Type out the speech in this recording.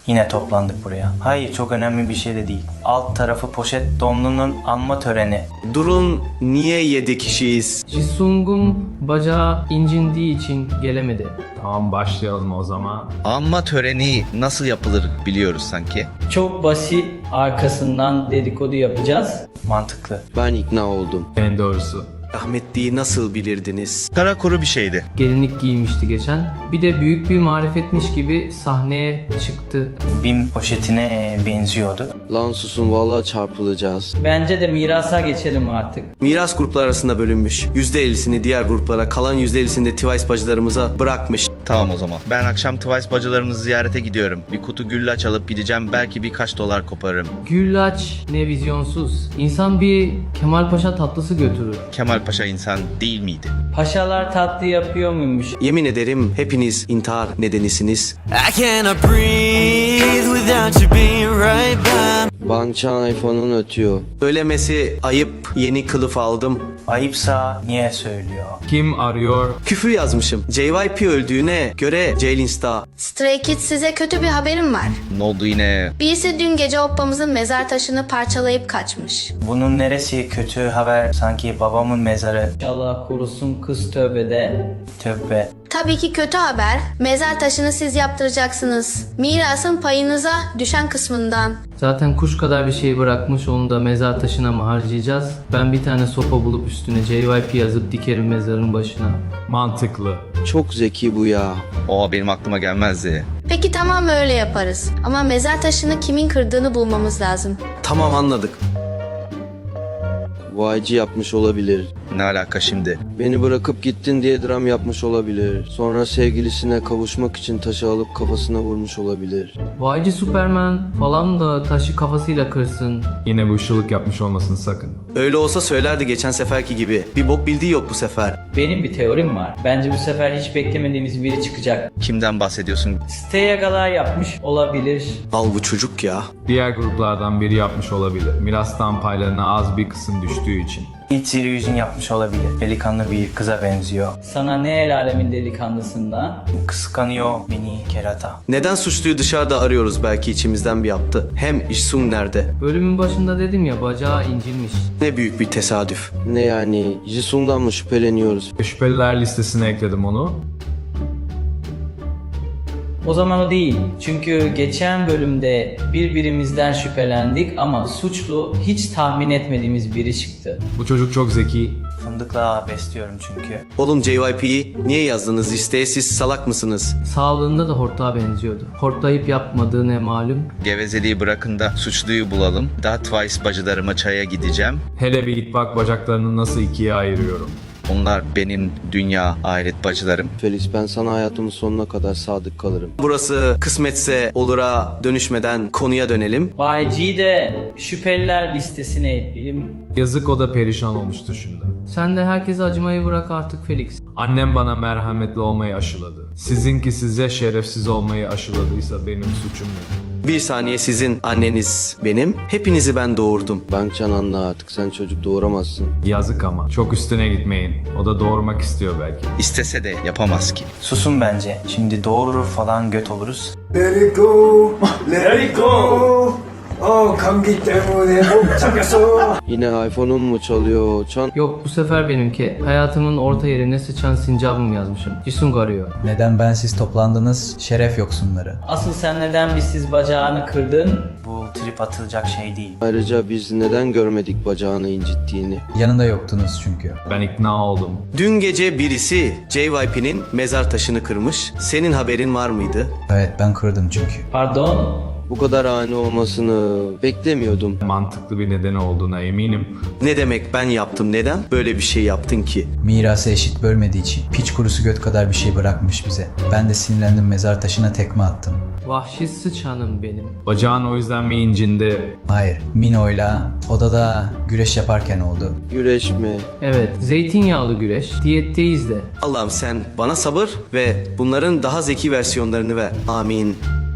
Yine toplandık buraya. Hayır, çok önemli bir şey de değil. Alt tarafı poşet donlunun anma töreni. Durun, niye 7 kişiyiz? Jisung'un bacağı incindiği için gelemedi. Tamam, başlayalım o zaman. Anma töreni nasıl yapılır biliyoruz sanki. Çok basit, arkasından dedikodu yapacağız. Mantıklı. Ben ikna oldum. En doğrusu. Rahmetliyi nasıl bilirdiniz? Kara kuru bir şeydi. Gelinlik giymişti geçen. Bir de büyük bir marifetmiş gibi sahneye çıktı. BİM poşetine benziyordu. Lan susun, vallahi çarpılacağız. Bence de mirasa geçelim artık. Miras gruplar arasında bölünmüş. %50'sini diğer gruplara, kalan %50'sini de Twice bacılarımıza bırakmış. Tamam o zaman. Ben akşam Twice bacılarımızı ziyarete gidiyorum. Bir kutu güllaç alıp gideceğim. Belki birkaç dolar koparırım. Güllaç ne vizyonsuz. İnsan bir Kemal Paşa tatlısı götürür. Kemal Paşa insan değil miydi? Paşalar tatlı yapıyor muymuş? Yemin ederim hepiniz intihar nedenisiniz. I cannot breathe without you being right by. Bankçan iPhone'un ötüyor. Söylemesi ayıp, yeni kılıf aldım. Ayıpsa niye söylüyor? Kim arıyor? Küfür yazmışım. JYP öldüğüne göre Jaylinsta. Stray Kids, size kötü bir haberim var. Ne oldu yine? Birisi dün gece oppamızın mezar taşını parçalayıp kaçmış. Bunun neresi kötü haber? Sanki babamın mezarı. Allah korusun, kız tövbede. Tövbe. Tabii ki kötü haber. Mezar taşını siz yaptıracaksınız. Mirasın payınıza düşen kısmından. Zaten kuş kadar bir şey bırakmış, onu da mezar taşına mı harcayacağız? Ben bir tane sopa bulup üstüne JYP yazıp dikerim mezarın başına. Mantıklı. Çok zeki bu ya. O benim aklıma gelmezdi. Peki tamam, öyle yaparız. Ama mezar taşını kimin kırdığını bulmamız lazım. Tamam, anladık. YG yapmış olabilir. Ne alaka şimdi? Beni bırakıp gittin diye dram yapmış olabilir. Sonra sevgilisine kavuşmak için taşı alıp kafasına vurmuş olabilir. Vaycı Superman falan da taşı kafasıyla kırsın. Yine bu ışılık yapmış olmasın sakın. Öyle olsa söylerdi geçen seferki gibi. Bir bok bildiği yok bu sefer. Benim bir teorim var. Bence bu sefer hiç beklemediğimiz biri çıkacak. Kimden bahsediyorsun? Steyagalar yapmış olabilir. Al bu çocuk ya. Diğer gruplardan biri yapmış olabilir. Mirastan paylarına az bir kısım düştüğü için. İlk Sirius'un yapmış olabilir. Delikanlı bir kıza benziyor. Sana ne el alemin delikanlısından? Kıskanıyor beni kerata. Neden suçluyu dışarıda arıyoruz, belki içimizden bir yaptı. Hem Jisung nerede? Bölümün başında dedim ya, bacağı incinmiş. Ne büyük bir tesadüf. Ne yani? Jisung'dan mı şüpheleniyoruz? Şüpheliler listesine ekledim onu. O zaman o değil. Çünkü geçen bölümde birbirimizden şüphelendik ama suçlu hiç tahmin etmediğimiz biri çıktı. Bu çocuk çok zeki. Fındıkla besliyorum çünkü. Oğlum, JYP'yi niye yazdınız listeye, siz salak mısınız? Sağlığında da hortlağa benziyordu. Hortlayıp yapmadığı ne malum. Gevezeliği bırakın da suçluyu bulalım. Daha Twice bacılarıma çaya gideceğim. Hele bir git bak bacaklarını nasıl ikiye ayırıyorum. Onlar benim dünya ahiret bacılarım. Felix, ben sana hayatımın sonuna kadar sadık kalırım. Burası kısmetse olura dönüşmeden konuya dönelim. YG'yi de şüpheliler listesine ekleyelim. Yazık, o da perişan olmuştu şimdi. Sen de herkese acımayı bırak artık Felix. Annem bana merhametli olmayı aşıladı. Sizinki size şerefsiz olmayı aşıladıysa benim suçum ne? Bir saniye, sizin anneniz benim. Hepinizi ben doğurdum. Bankcan, anla artık, sen çocuk doğuramazsın. Yazık ama. Çok üstüne gitmeyin. O da doğurmak istiyor belki. İstese de yapamaz ki. Susun bence. Şimdi doğurur falan göt oluruz. Let it go, let it go. Oh, 감기 때문에 못 참겠어. Yine iPhone'un mu çalıyor? Yok, bu sefer benimki. Hayatımın orta yerine sıçan sincabım yazmışım. Jisung arıyor. Neden bensiz toplandınız? Şeref yoksunları. Asıl sen neden bizsiz bacağını kırdın? Bu trip atılacak şey değil. Ayrıca biz neden görmedik bacağını incittiğini? Yanında yoktunuz çünkü. Ben ikna oldum. Dün gece birisi JYP'nin mezar taşını kırmış. Senin haberin var mıydı? Evet, ben kırdım çünkü. Pardon? Bu kadar ani olmasını beklemiyordum. Mantıklı bir nedeni olduğuna eminim. Ne demek ben yaptım? Neden böyle bir şey yaptın ki? Mirası eşit bölmediği için piç kurusu göt kadar bir şey bırakmış bize. Ben de sinirlendim, mezar taşına tekme attım. Vahşi sıçanım benim. Bacağın o yüzden mi incindi? Hayır, Mino'yla odada güreş yaparken oldu. Güreş mi? Evet, zeytinyağlı güreş. Diyetteyiz de. Allah'ım sen bana sabır ve bunların daha zeki versiyonlarını ver. Amin.